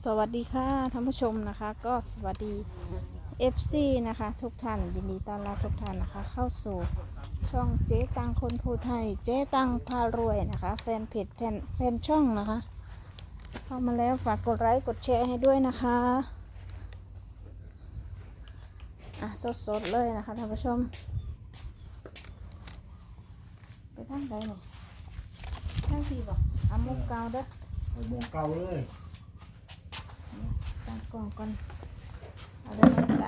สวัสดีค่ะท่านผู้ชมนะคะก็สวัสดี FC นะคะทุกท่านยินดีต้อนรับทุกท่านนะคะเข้าสู่ช่องเจ๊ตังคนภูไทยเจ๊ตังพารวยนะคะแฟนเพจแฟนช่องนะคะเข้ามาแล้วฝากกดไลค์กดแชร์ให้ด้วยนะคะสดๆเลยนะคะท่านผู้ชมไปทางใดเนี่ยทางที่บอกมุกเก่าเด้อไปวงเก่าเลยตั้งกล้องก่อนเอาได้ไหมตา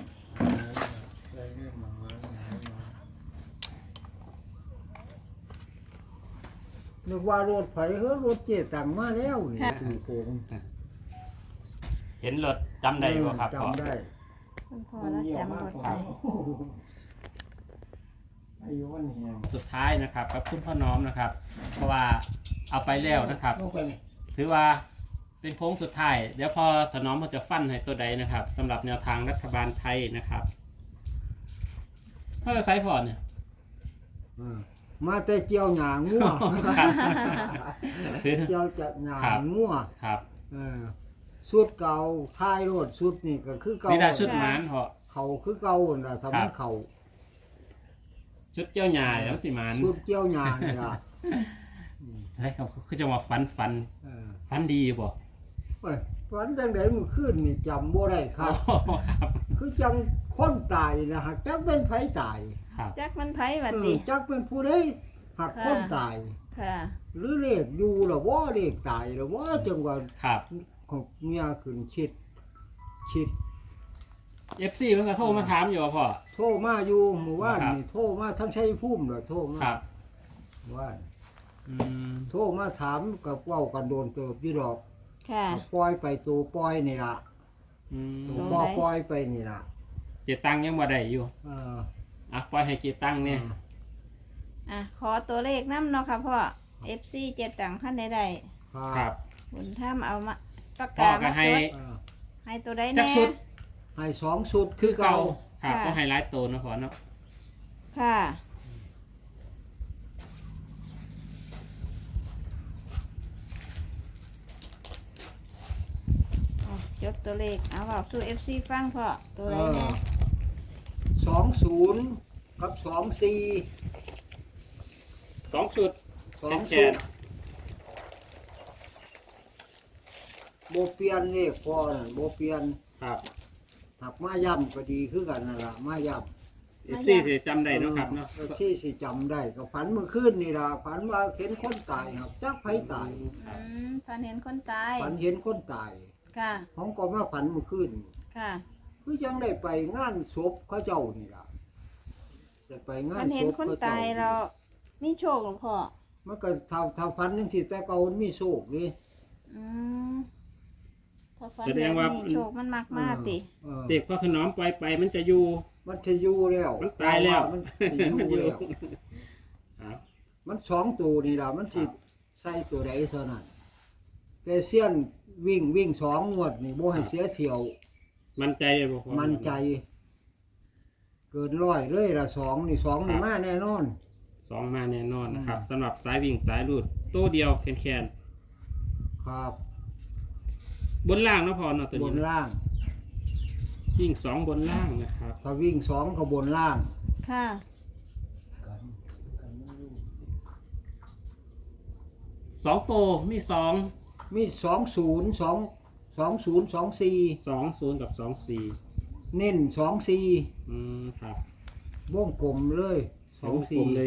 นึกว่ารถไฟรถเจ๊ตังมาแล้วนี่ตู่โกงเห็นรถจำได้บ่ครับพ่อจำได้คุณพ่อแล้วจำรถได้อายุวันนี้สุดท้ายนะครับกับคุณพ่อน้อมนะครับ เพราะว่าเอาไปแล้วนะครับ ถือว่าเป็นโค้งสุดท้ายเดี๋ยวพอถนอมเขาจะฟันให้ตัวใดนะครับสำหรับแนวทางรัฐบาลไทยนะครับเท่าไรไซส์พอเนี่ยมาแต่เจียวหยางงัวถือเจียวจะหยางงัวครับสุดเก่าท้ายรถสุดนี่ก็คือเก่านี่ได้ชุดหมานพอเขาคือเก่าน่ะสำนักเขาชุดเจ้าหญ่แล้วสิหมานสุดเจียวหยางนี่ล่ะใช่ครับคือจะมาฟันดีบ่เอ้ยวันจังได๋มื้อคืนนี่จำบ่ได้ครับครับคือจังคนตายนะฮะจักเป็นไผตายครับจักมันไผวัดเอดิอจักเป็นผู้ใดหักคนตายค่ะหรือเลขอยู่หรือว่าเลขตายหรือว่าจังหวะครับของเมียขึ้นชิด FC เพิ่งก็โทรมาถามอยู่ว่าพ่อโทรมาอยู่หมู่ว่านครับนี่โทรมาทั้งชัยภูมิเลยโทรมาครับหมู่ว่านอืมโทรมาถามกับเว้ากันโดนเติบอยู่ดอกค่ะปล่อยไปตัวปล่อยนี่ล่ะอืมตัวบ่ปล่อยไปนี่ล่ะเจตังยังบ่ได้อยู่เออปล่อยให้เจตังเนี่ยขอตัวเลขน้ำเนาะค่ะพ่อ FC เจ็ดตังขั้นใดครับๆบุญถ้ำเอามาปากพ่อกาก็มาให้จดเออให้ตัวใดจัแน่กสุดให้สองสุดคือเก่าครับค่ะก็ไฮไลท์โตนะพอเนาะค่ะจดตัวเลขเอาบอกสู่ FC ฟังพ่อตัวใดแน่ 20กับ24 2 ชุดสองแขสุนดบ่เปลี่ยนเลขพอนั่นบ่เปลี่ยนครับหักมาย่ำก็ดีคือกันนั่นล่ะมาย่ำ FC สิจำได้เนาะครับเนาะที่สิจำได้ก็ฝันเมื่อคืนนี่ล่ะฝันว่าเห็นคนตายครับจักไผตายฝันเห็นคนตายฝันเห็นคนตายค่ะผมก็มาฝันเมื่อคืนค่ะคือยังได้ไปงานศพเขาเจ้านี่ล่ะได้ไปงาฝันนเห็ศนพคนเขาตาเจ้ายเรามีโชคหลวงพ่อมันก็ถ้าฝันจังซี่แต่เก่ามันมีโชคนี่อืมถ้าฝันแบบนี้โชคมันมากมากติเด็กพ่อขนอมปล่อยไปมันจะอยู่มันจะอยู่แล้วมันตายแล้วมันสิอยู่แล้วครับมันสองตัวนี่ล่ะมันสิใส่ตัวใดเท่านั้นแต่เสี้ยนวิ่งสองงวดนี่บ่ให้เสียเที่ยวมั่นใจบ่พ่อมันใจ เกินร้อยเลยละสองนี่สองนี่มาแน่นอน 2มาแน่นอนนะครับสำหรับสายวิ่งสายรูดตัวเดียวแคนครับๆบนล่างเนาะพอเนาะตัวบนี้นเนาะล่างวิ่ง2บนล่างนะครับถ้าวิ่งสองก็บนล่างค่ะ 2ตัวมี2 มี20 20กับ24 เน้น24 ครับวงกลมเลยวงกลมเลย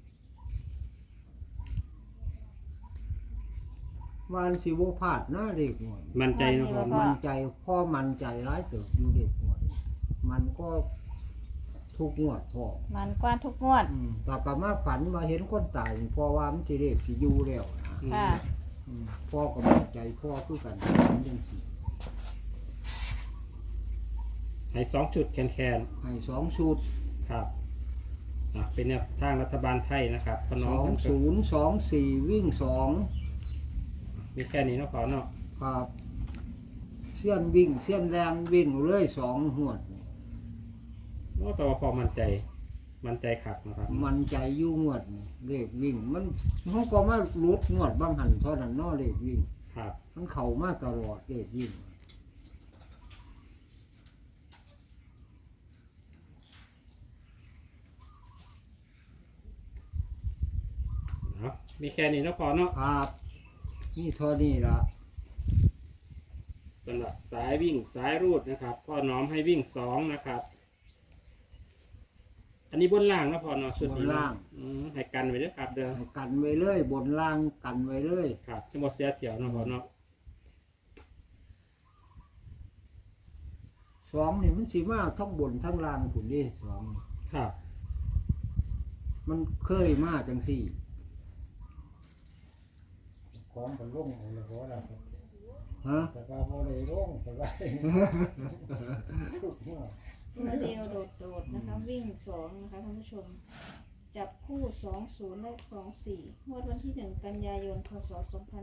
วันสิบ่พลาดนะเด็กหน่อยมั่นใจเนาะพอมันใจพ่อมันใจร้ายเติบอยู่เด็กหน่อยมันก็ทุกงวดพ่อมันกว่าทุกงวดแต่ก็มาฝันมาเห็นคนตายนี่พ่อว่ามันสิเลขสิอยู่แล้วนะค่ะพ่อก็มั่นใจพ่อคือกันฝันจังซี่ให้2ชุดแคนให้สองชุดๆครับเป็นแนวทางรัฐบาลไทยนะครับพอน้องมันก็ 2024วิ่ง2 มีแค่นี้เนาะพอเนาะครับเสี้ยนวิ่งเสี้ยนแรงวิ่งเลย2หวดนี่โอ้แต่ว่าพอมั่นใจขักนะครับมันใจอยู่งวดนี่เลขวิ่งมันเขาก็มาลุดงวดบางหันเท่านั้นเนาะเลขวิ่งครับมันเข้ามาตลอดเลขวิ่งเนาะมีแค่นี้เนาะพอเนาะครับนี่เท่านี้ละสำหรับสายวิ่งสายรูดนะครับพ่อน้อมให้วิ่ง2นะครับ อันนี้บนล่างนะพอเนาะชุดนี้เนาะให้กันไว้ด้วยครับเด้อให้กันไว้เลยบนล่างกันไว้เลยครับจะหมดเสียเถียวเนาะพอเนาะสองนี่มันสิมาทั้งบนทั้งล่างผุนนี่สองครับมันเคยมาจังสี่ของเป็นร่งเลยเพราะอะไรฮะแต่ว่าโมเลยร่งแต่ว่าทุกเมื่อตัวเดียวโดดๆนะคะวิ่ง2นะคะท่านผู้ชม จับคู่20และ24งวดวันที่1กันยายนพศ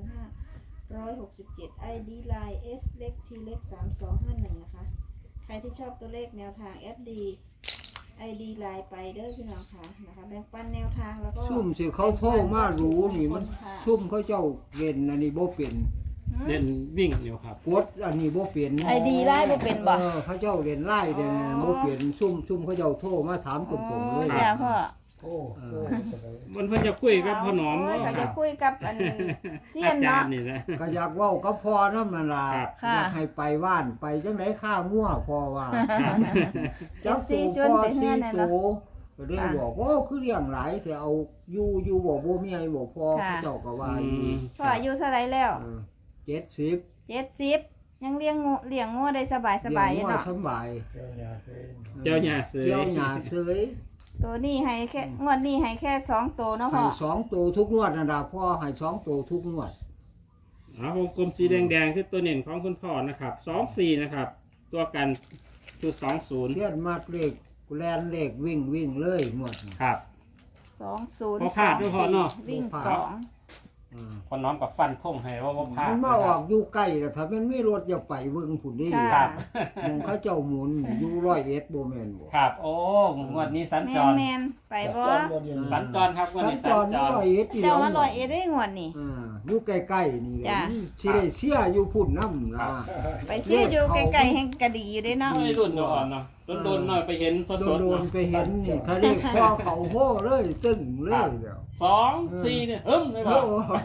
2567 ID Line S เล็ก T เล็ก3251นะคะ ใครที่ชอบตัวเลขแนวทาง FD ID Line ไปเด้อพี่น้องค่ะนะคะแบ่งปันแนวทางแล้วก็ซุ่มสิเขาโทรมารู้นี่มันซุ่มเขาเจ้าเล่นอันนี้บ่เป็นเล่นวิ่งอยู่ครับกดอันนี้บ่เป็น ID Line บ่เป็นบ่เขาเจ้าเล่นไล่เด่นบ่เป็นซุ่มเขาเจ้าโทรมาถามตรงๆเลยจ้าพ่อโอ้โหมันเพิ่นจะคุยกับพ่อน้อมโยเนาะเขาคจะรับคุยกับอันเซียอาน จารเนาะย์นี่นะก็อยากเว้ากับพ่อนำนั่นล่ะครับค่ะอยากให้ไปว่านไปจังได๋ข้างัวพ่อว่าครับจัก FC ชตัวนวพ่อไปเฮืสิอนน่ะตัเนาะวก็เลยบอกว่าคือเลี้ยงหลายสิเอาอยู่บ่มีให้บ่พอค่ะเขาเจ้าก็ว่าอือยู่มพ่ออายุเท่าไหรแล้ว 70 70ยังเลี้ยงงูได้สบายๆอยู่เนาะสบายเจ้าหน้าที่เจ้าหญ้าเสยเจ้าหญ้าเสยตัวนี้ให้แค่งวดนี้ให้แค่2ตัวเนาะให้พ่อ 2ตัวทุกงวดนั่นล่ะพ่อให้2ตัวทุกงวดวงกลมสีแดงๆคือตัวเน่นของคุณพ่อนะครับ24นะครับ ตัวกันคือ20 เลียนมากเลขแล่นเลขวิ่งเลยงวดนี้ครับ 20 พอพลาดด้วยพ่อเนาะวิ่งพอพลาด 2 พ่อน้อมกับฟันท่งให้ว่าพลาดมันนะมาอคอรับกอยู่ใกล้แล้วถ้ามันมีรถอย่าไปเบิ่งพุ่นนี่ค่ะมองเขาเจ้าหมุนอยู่101บ่แม่นบ่ครับ โอ้งวดนี้สัญจรแม่นไปบ่สัญจรครับงวดสัญนี้จสัญรจร 101อีเจ้าแล้วมาลอยเอ็ดได้งวดนี่อยู่ใกล้ๆนี่แหละจ้ะสิได้เสียอยู่พุ่นนำล่ะไปเสียอยู่ใกล้ๆแห่งกะดีอยู่เด้เนาะไม่รุ่นเนาะอ่อนเนาะโดนๆหน่อยไปเห็นสดๆโดนเนาะๆไปเห็นนี่ทะเลคอเขาโห่เลยตึ้งเลยเดี๋ยว 2-4เนี่ยเลยบโอ้อก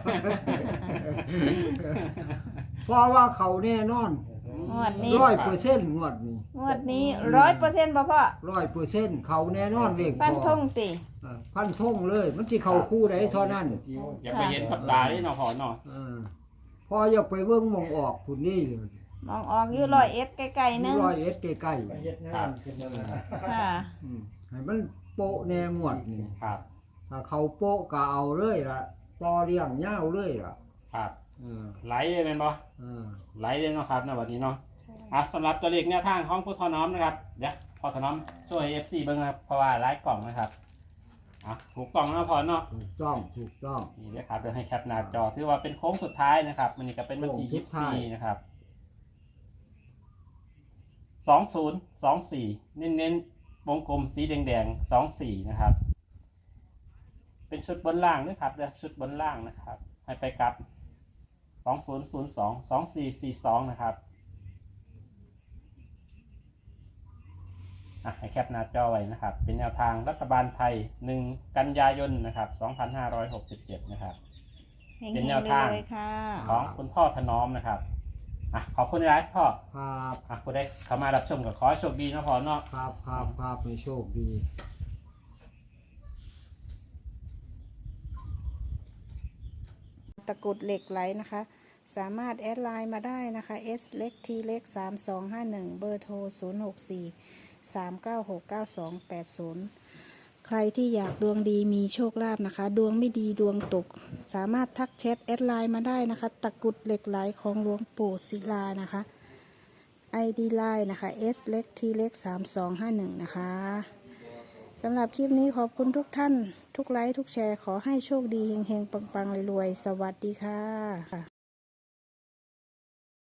เพราะว่าเขาแน่นอนงวดนี้ 100%งวดนี้งวดนี้100%บ่พ่อ 100%เขาแน่นอนเลขฟันพอธงติพันธงเลย มันสิเข้าคู่ใดเท่านั้นอย่าไปเห็นกับตาที่เนาะพอเนาะเออพออยากไปเบิ่งหมองออกพุ่นนี่เลยมองออกอยู่ร้อยเอ็ดใกล้ๆนึง 100ใกล้ไปเฮ็ดงานขึ้นมาค่ะๆให้มันโปะแน่งวดนี่ครับถ้าเขาโปะก็เอาเลยล่ะต่อเลี้ยงยาวเลยล่ะครับเออไหลเลยเป็นบ่เออไหลเลยเนาะครับในวันนี้เนาะสำหรับตัวเลขแนวทางของผู้ทอน้อมนะครับเดี๋ยวพอทอน้อมช่วย FC เบิ่งนะครับเพราะว่าไลฟ์กล่องนะครับถูกกล่องแล้วพอเนาะถูกต้องถูกต้องนี่นะครับเดี๋ยวให้แคปหน้าจอถือว่าเป็นโค้งสุดท้ายนะครับมันนี่ก็เป็นวันที่โค้งสุดท้าย 24นะครับ2024เน้นๆวงกลมสีแดงๆ24นะครับเป็นชุดบนล่างนะครับเดี๋ยวชุดบนล่างนะครับให้ไปกับ2002 2442นะครับให้แคปหน้าจอไว้นะครับเป็นแนวทางรัฐบาลไทย1กันยายนนะครับ2567นะครับเฮงเป็นๆแนวทางเลยๆค่ะของคุณพ่อถนอมนะครับขอบคุณหลายพ่อครับผู้ได้เข้ามารับชมกับขอให้โชคดีนะพ่อเนาะครับให้โชคดีตะกรุดเหล็กไหลนะคะ สามารถแอดไลน์มาได้นะคะ S เล็ก T เล็ก3251 เบอร์โทร 064 396 9280 ใครที่อยากดวงดีมีโชคลาภนะคะ ดวงไม่ดีดวงตก สามารถทักแชทแอดไลน์มาได้นะคะ ตะกรุดเหล็กไหลของหลวงปู่ศิลานะคะ ID ไลน์นะคะ S เล็ก T เล็ก3251 นะคะสำหรับคลิปนี้ขอบคุณทุกท่าน ทุกไลค์ทุกแชร์ขอให้โชคดีเฮงๆ ปังๆรวยๆ สวัสดีค่ะ